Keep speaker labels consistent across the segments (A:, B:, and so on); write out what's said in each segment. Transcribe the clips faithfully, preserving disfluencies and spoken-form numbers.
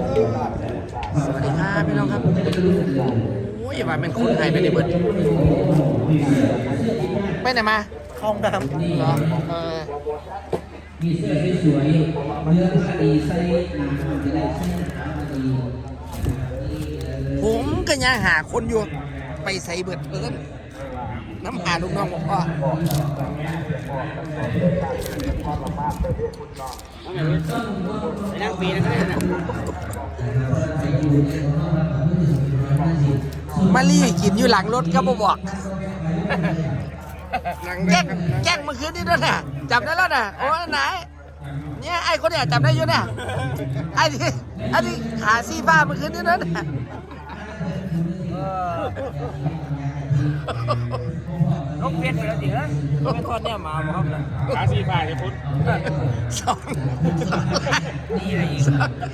A: สวัสดีครับพี่น้องครับโอ้ยว่าเป็นคนไทยไปในเบิร์ดไปไหนมาคลองดำเหรอเออ
B: มีเสื้อสวยๆเนื้อผ้าดีใส่หนาจะได้ใส่ขาดี
A: ผมก็ยังหาคนอยู่ไปใส่เบิร์ดเพิ่นน้ำหาลูกน้องบอกว่านั่งปีนั่งเลยนะมาลี่กินอยู่หลังรถก็บ่บอกแจ้งแจ้งเมื่อคืนนี้ด้วยนะจับได้แล้วนะโอ้ยไหนเนี่ยไอ้คนเนี่ยจับได้อยู่นะไอ้ที่ไอ้ที่ขาซีฟ้าเมื่อคืนนี้ด้วยนะ
C: นกเพี้ยนไปแล้วดิฮะไม่ทอดเนี่ยมาบ่ครับนะขาสีฟ้าจะพุทธ
A: สองนี่อะไรอีก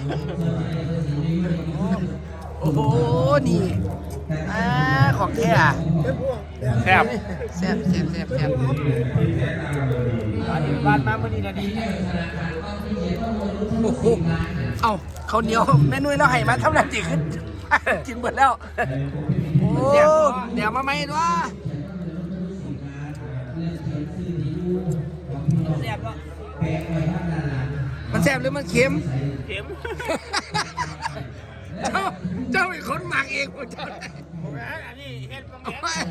A: โอ้โหนี่อ่าของแท้
C: แซ่บ
A: แซ่บแซ่บแซ่บแซ่บ
C: บ้านมาเมื่อนี้นะดี
A: โอ้โหเอ้าเขาเหนียวแม่นุ้ยเราให้มาเท่านั้นจีขึ้นกินหมดแล้วโอ้เดี๋ยวมาไหมวะ
C: แซ่บก็
A: มันแซ่บหรือมันเค็ม
C: เค็ม
A: เจ้าเจ้าเป็นคนหมักเองผมเจ้า
C: อันนี้เฮ็ดบางแง่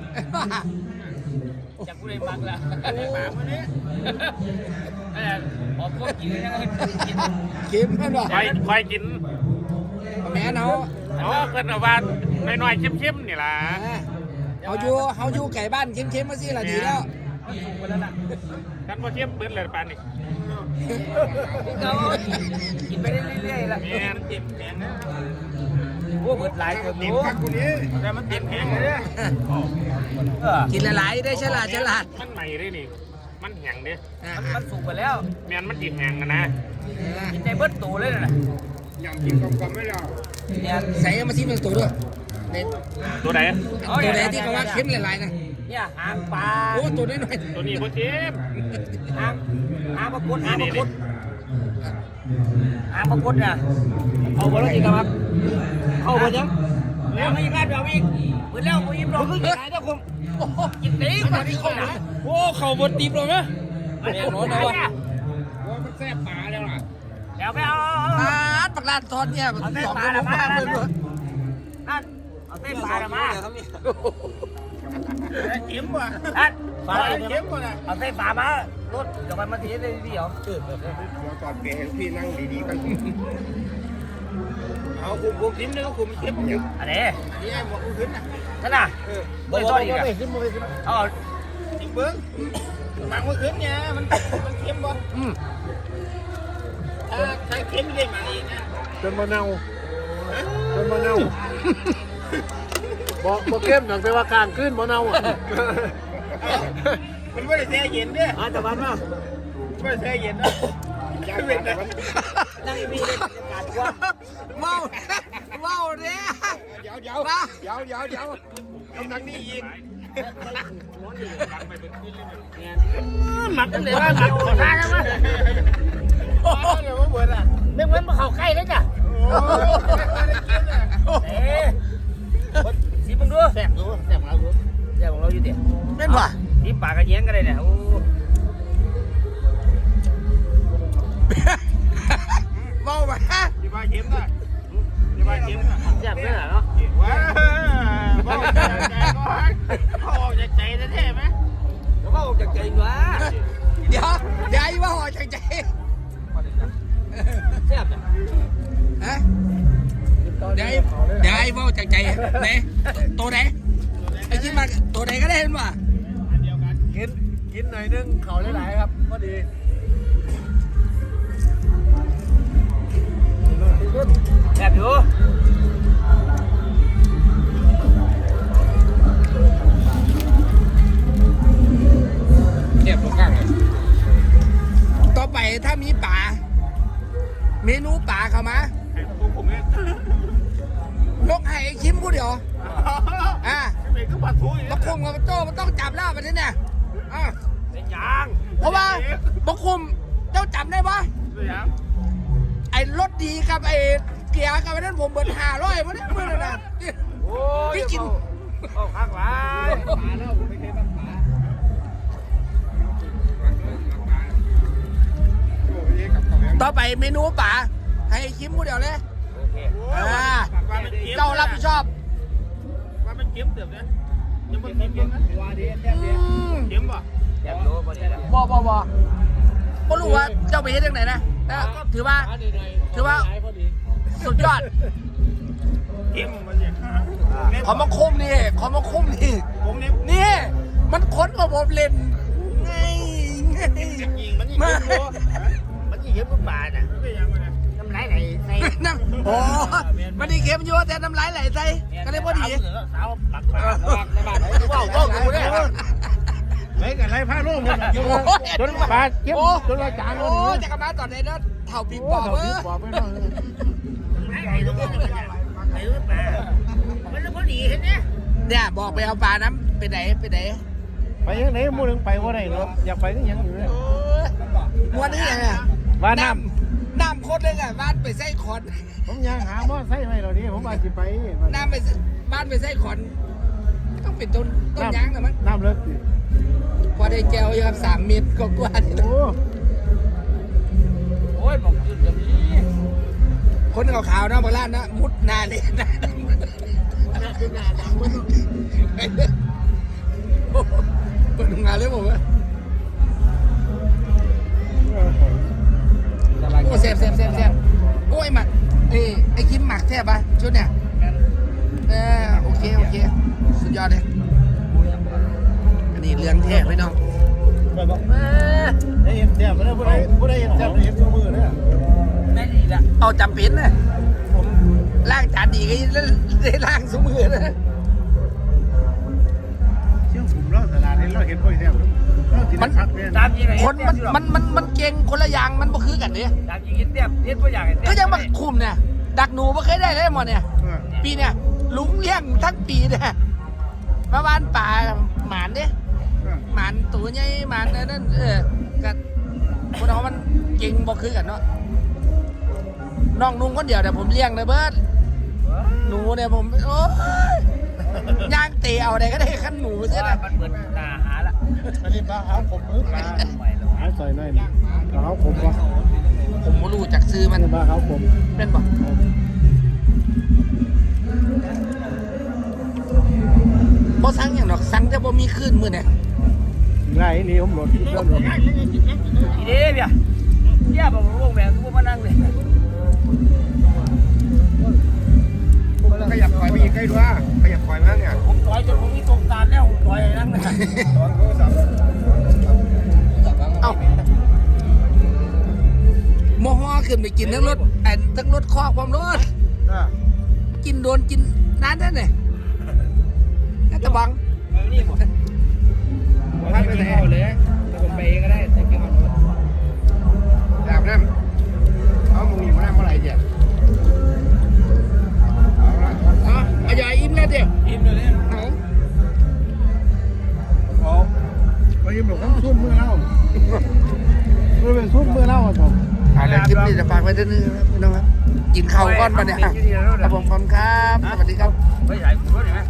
C: จากผู้ใดมักละหมาคนนี้อะไรออกพวกกินยังไงกิน
A: เค็มแม่นบ่
C: คอยคอยกิน
A: แม่เนาะ
C: อ๋อเกินเอาบ้านน้อยๆเข้มๆนี่ล่ะ
A: เขาอยู่เขาอยู่ไก่บ้านเข้มๆมาสิล่ะดีแล้ว
C: กันพอเข้มเบิ้ลเลยปานนี่กินไปเรื่อยๆล่ะแม่มันเต็มแผงนะโอ้เบิดหลายคนอยู่แต่มันเต็มแผงเลย
A: กินหลายๆได้ฉลาดฉลาด
C: มันใหม่เลยนี่มันแห้งเด้
A: มัน
C: สุกไปแล้วแม่นมันติดแห้งกันนะกินใจเบิดตูเลยนะ
D: ยำกินกลมๆไม่ได้
A: เนี่ยใส่มาซิเป็นตัวด้วย
C: ตัวไหน
A: ตัวไหนที่เขาว่าเค็มหลายๆนะ
C: เนี่ยหางปลา
A: โอ้ตัวนี้หน่อย
C: ตัวนี้โคตรเค็มหางหางปลากุดหางปลากุดหางปลากุดเนี่ยเอาไปแล้วจริงครับเอาไปยังแล้วไม่ยังไงเดี๋ยวอีกเหมือนแล้วกูยิ้มรอคือกินไหนนะคุณกินตีกว่าที่คนไหนโอ้เข่าบดตีบเลยไหมเนี่ยโน้ตนะวะ
D: ว่ามันแซ่บปลาแล้วล่ะ
C: เดี๋ยวไปเอา
A: ปลาปลาทอดเนี่ยมันสองโลมากเลยด้วย
C: นั่นเอาเต้นปลาละมาเข็มว่ะนั่นปลาเข็มว่ะเอาเต้นปลามารถเดี๋ยวไปมาทีได้ดีเหรอ
D: เดี๋ยวตอนเปลี่ยนพี่นั่งดีๆกัน
C: เอาคุมคุมทิ้มนึงก็คุมเข็มอยู่อันนี้นี่ไอ้หมวกขึ้นนะนั่นน่ะเบอร์ต้นอีกอ่ะขึ้นมาขึ้นเอาทิ้งเบิ้งหมักมันขึ้นเนี่ยมันมันเข็มบ่อืมถ้าใช้เข็มได้มาเองนะ
D: จนมะนาวจนมะนาวบอกบอกเข้มหนังแต่ว่ากลางขึ้นมะนาวอ่ะ
C: มันไม่ได้แช่เย็นเนี่ยอ่ะแต่วันว่าไม่ได้แช่เย็นนะยังเป็นนะนั่งมีเลยบรรยากาศว่า
A: ว้าวว้าวเนี่ย
D: เดี๋ยวเดี๋ยวเดี๋ยวเดี๋ยวเดี๋ยวกำลังนี่ยิง
C: หมักกันเลยว่าหมักขอทานนะมั้ยโอ้โหเดี๋ยวมันเบิดอ่ะเรื่องมันมาเข้าใกล้เลยจ้ะเอ๊ะสีมึงดูแซ่บดูแซ่บของเราดูแซ่บของเราอยู่เดี๋ยว
A: เป็นป่ะ
C: สีปากกระเยียงกันเลยเนี่ยโอ้
A: เมาไปฮะ
C: ยี่บ้าเข็มนะยี่บ้าเข็มนะแซ่บเลยเนาะว้าวเมาจากใจก็ฮักเขาออกจากใจแท้ไหมแล้วก็ออกจากใจวะ
A: เดี๋ยวเดี๋ยวไอ้ว่าออกจากใจ
C: แซ่บเนี่ย
A: ฮะเดี๋ยวเดี๋ยวไอ้ว่าจากใจไหนตัวไหนไอ้ที่มาตัวไหนก็ได้เห็นป่ะ
D: กินกินหน่อยนึงเขาหลายๆครับพอดี
C: แซ่บอยู่
A: เทียบตรงกลางเลยต่อไปถ้ามีป่าเมนูป่าเข้ามาลกไห้ชิมกูเดี๋ยวอ่ะบักคุมกับโจ้มันต้องจับแล้วแบบนี้เนี่ยอ่ะ
C: เป็นยัง
A: เพราะว่าบักคุมเจ้าจับได้ปะไอ้รถดีกับไอ้เกียร์กันวันนั้นผมเบิดห้าร้อยมาเนี่ยมื่อนั้นนะ
C: โอ้ย
A: ที่กิน
C: เอาข้างหลัง
A: ต่อไปเมนูป่าให้คิมพูดเดียวเลย
C: โอเค
A: อ่าเจ้ารับผิดชอบ
C: ว่ามันเก็บเติบนะยังมันเก็บนะว่าดีแต้มเดียว
A: อืม
C: เก็บป่ะเก็บรู้ป่ะเนี่ย
A: บอบอบอก็รู้ว่าเจ้าไปเฮ็ดยังไงนะแต่ถือว่า ถือว่าสุดยอด
C: เก็บมันเนี่ย
A: ขอมาคุ้มนี่ขอมาคุ้มนี่
C: ผมเนี่ย
A: นี่ มันค้นกับผมเล่นไงไง
C: จริงมันยิ่งเก็บรู้มันยิ่งเก็บลูกบาทอ่ะน้ำไหลไหลใน
A: น้ำโอ้มันดีเค็มอยู่แต่น้ำลายไหลใส่ก็เลยพอดี
C: สาวปากปากปากปากว้าวว้าวกูเนี่ย
D: ไรกันไรผ้าโล่งหมดอยู่จนบาดเจ็บจนเราจาง
A: โอ้จะกลับมาตอนไหนเนาะเท่าปีปอบเออ
D: บอกไม่ต้อง
C: ไหลไหลตรงนี้มันไหลลูกบาทมันพอดีเห็นไหม
A: เนี่ยบอกไปเอาปลาน้ำไปไหนไปไหน
D: ไปยังไหนมูนึงไปว่าไหนเนาะอยากไปก็ยังอยู่เลย
A: ม้วนนี่ยังไง
D: ว่าน้
A: น้ำโคตรเลยอ่ะบ้านไปไส้ขอน
D: ำผมยังหาหม้อไส้ให้เราดิผมอาจจะไป
A: น้ำไปบ้านไปไส้ขอนต้องเป็นต้นต้นยางนะมั้ง
D: น้ำเลิกสิ
A: พอได้แก้วอยู่ครับสามเมตรก็กว่าที่
D: โอ้
C: โอ้ยบอกจุดแบบนี้
A: คนขาวๆนะโบราณนะมุดนาเลยนะเปิดงานเลยผมว่าโอ้เซฟเซฟเซฟเซฟโอ้ยหมักเอ้ไอ้คิมหมักแทบปะชุดเนี่ยเออโอเคโอเคสุดยอดเลยอันนี้เรื่องแท้พี่น้อง
D: ได้เห็นแซ่บไม่ได้ผู้ใดผู้ใดเห็นแซ่บได้เห็นตัวมือเนี่ย
C: แม่ดีละ
A: เอาจำเป็นนะผมล้างจานดีก็ได้ล้างสมือนะ
D: เชื่อผมเราตลาดนี้เราเห็นบ่อยแซ่บเราติดชัดเนี่ย
C: ตามจริงไง
A: คนมันมันมันมันเก่งคนละอย่างมันบ่คือกันเนี่ย
C: ตามจริงเตี้ยเตี้ยตัวอย่าง
A: ก็ยังมาคุมเนี่ยดักหนูไม่เคยได้เลยหมดเนี่ย ปีเนี่ยลุงเลี้ยงทั้งปีเนี่ยมาบ้านป่าหมานเนี่ยหมานตัวใหญ่หมานนั่นเออกับคนเขามันเก่งบ่คือกันเนาะน้องนุ่งคนเดียวแต่ผมเลี้ยงเลยเบิร์ดหนูเนี่ยผมโอ้ยย่างเตะเอาได้ก็ได้ขั้นหนูเสีย
C: ว่า
A: นะ
C: มันเหมือนนาหาละ
D: อันนี้ปลาขาวผมมือปลาหาใส่หน่อยปลาขาวผมวะ
A: ผมไม่รู้จักซื้อมัน
D: ปลาขาวผม
A: เป็นบ่บ่สั่งอย่างดอกสั่งแต่บ่มีคืนมื้อเนี่ย
D: ไรนี่ผมหลดเริ่มหลด
C: อีเดียเบียเดียบอกวงแหวนกูมานั่งเลย
D: ขยับถอยไปอีกใกล้ด้วยขยับถอยมั้งเนี่ย
C: ผมต่อยจนผมมีตรงตาแล้วผมต่อยนั่งเลย
D: ตอนโทรศัพท์
A: เอ้าโมฮอขึ้นไปกินทั้งรถแอนทั้งรถคอกความรถกินโดนกินนานนั่นเนี่ยน่าจะบัง
C: นี่ผม
D: ท่านไปไหนเลยแต่ผมไปเองก็ได้แต่กินมันดาบน้ำเอามึงอยู่มาน้ำเมื่อไหร่เจ็บเอาละ
A: อ๋อเอาอย่าอิ่มแล้วเดี๋ยว
C: อิ่มเลยเนี่ย
A: เอา
D: เอาไปยิ้มหลงต้องซุ่มมือเล่าไม่เป็นซุ่มมือเล่าครับผม
A: อะไรคลิปนี้จะฝากไว้ด้วยนะครับพี่น้องครับกินข้าวก้อนปะเนี่ยครับผมขอบคุณครับสวัสดีครับ
C: ไม่ใหญ่ผมก็เห็นไหม